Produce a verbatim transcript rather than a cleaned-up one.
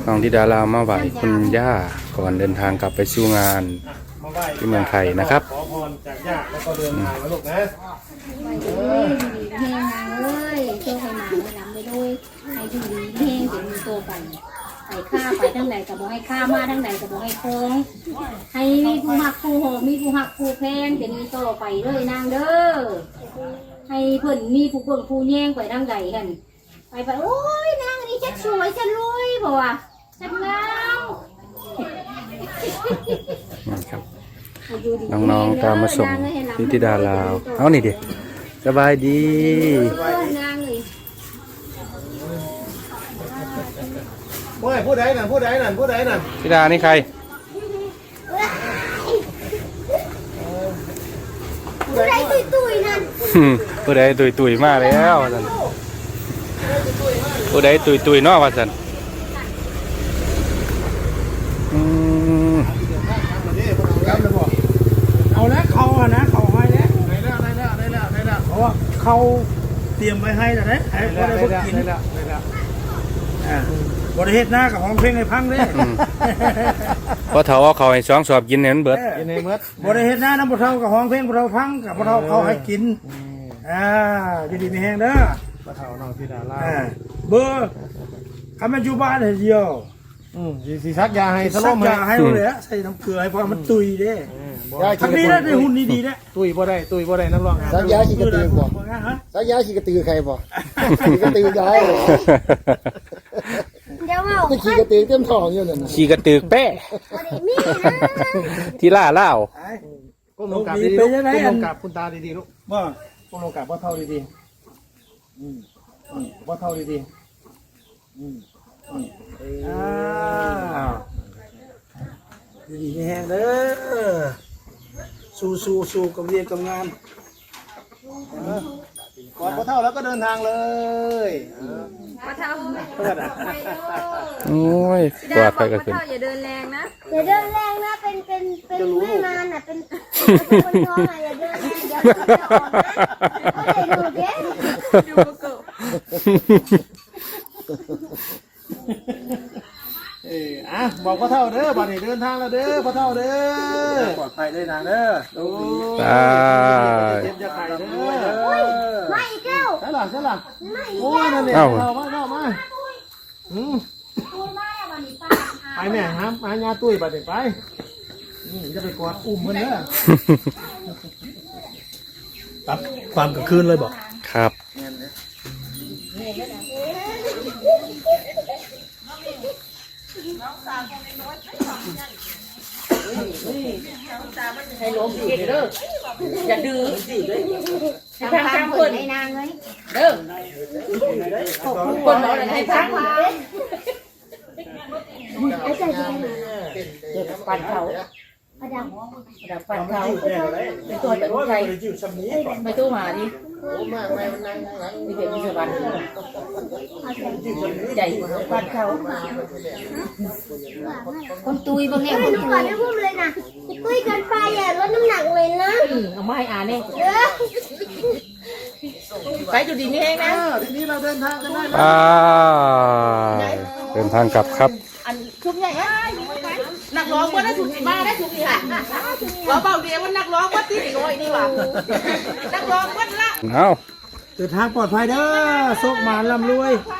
น้องธิดาลาวมาไหว้คุณย่าก่อนเดินทางกลับไปสู่งานที่เมืองไทยนะครับขอพรจากญาติแล้วก็เดินทางมาลูกนะเฮ้ยเฮงนางเอ้ยโชคให้มาไม่นำไปด้วยให้ดีเฮงเดี๋ยวมีโตไปไปข้าไปทั้งใดกับบอกให้ข้ามาทั้งใดกับบอกให้โค้งให้มีผู้หักผู้โหมีผู้หักผู้แพงเดี๋ยวมีโตไปเลยนางเด้อให้เพิ่นมีผู้เบิ่งผู้แย่งไปทั้งใดกันไปไปโอ้ยนางอันนี้ฉันสวยฉันรวยเพราะว่าฉันงามครับน้องๆตามมาส่งนิติดาลาวเอานี่ดิสบายดีผู้ใดผู้ใดนั่นผู้ใดนั่นผู้ใดนั่นธิดานี่ใครผู้ใดตุยตุยนั่นผู้ใดตุยตุยมากแล้วท่านผู้ใดตุยตุยนอกว่าท่านเอาแล้วเขาอะนะเขาให้แล้วได้แล้วได้แล้วได้แล้วได้แล้วเพราะว่าเขาเตรียมไว้ให้แล้วนะให้พอได้พวกกินได้แล้วได้แล้วอ่าบริเฮ็ดหน้ากับของเพลงในพังเลยพอเท่าเอาเขาให้สองสอบกินเนี่ยมันเบิดกินในเบิดบริเฮ็ดหน้าน้ำพอเท่ากับของเพลงพอเท่าพังกับพอเท่าเขาให้กินอ่าดีดีมีแห้งเด้อพอเท่าน้องธิดาลาวเบอร์คำมันอยู่บ้านเดียวอืมสีซักยาให้สลบยาให้เลยอะใส่น้ำเกลือให้พอมันตุยเด้ทำนี้นะได้หุ่นดีๆนะตุยบ่ได้ตุยบ่ได้น้ำร้อนซักยาขี้กระตือบ่ซักยาขี้กระตือใครบ่ขี้กระตือยายเดี๋ยวเอาขี้กระตือเต็มท้องอยู่นั่นขี้กระตือแป้ที่ล่าเล่าก้มลงกราบดีๆก้มลงกราบคุณตาดีๆลูกว่าก้มลงกราบว่าเท่าดีๆอืมว่าเท่าดีๆอืมอ่าดีๆแห้งเด้อสู้สู้สู้กับเรียนกับงานก่อนพอเท่าแล้วก็เดินทางเลยพอเท่าโอ้ยกวาดไปก็ขึ้นอย่าเดินแรงนะอย่าเดินแรงนะเป็นเป็นเป็นไม่นานอ่ะเป็นคนท้องอ่ะอย่าเดินแรงเดี๋ยวจะออกนะก็เลยดูเด้ดูเกิเอออ่ะบอกพ่อเท่าเด้อบัดนี้เดินทางแล้วเด้อพ่อเท่าเด้อปลอดภัยได้นางเด้อโอ้ยเจ็บจะไข่เด้อไม่อีกแล้วใช่หรอใช่หรอโอ้ยนั่นเนี่ยเรามาเรามาอืมไปแม่ฮะมาญาตุ้ยบัดนี้ไปนี่จะไปกอดอุ้มมันเด้อตับความกลางคืนเลยบอกครับให้ล้มเก่งเด้ออย่าดื้อให้พังพังคนให้นางเลยเด้อคนบอกอะไรให้พังปัดเขาปัดดังปัดเขาไปตัวแต่ใครไปตัวมาดิมีเด็กมีสวรรค์ใจปัดเขาคนตุยบางแง่คนตุยไม่พูดเลยนะตุยกันไปอ่ะลดน้ำหนักเลยนะเอาไม่อ่านเนี่ยไปจุดดีนี่เองนะทีนี้เราเดินทางกันได้อ่าเดินทางกลับครับอันชุบใหญ่นักร้องว่าได้ถูกมาได้ถูกนี่ค่ะเราเบาเดียวว่านักร้องว่าตีน้อยนี่ว่ะนักร้องว่าละเอาเดินทางปลอดภัยเด้อโชคมาลำรวย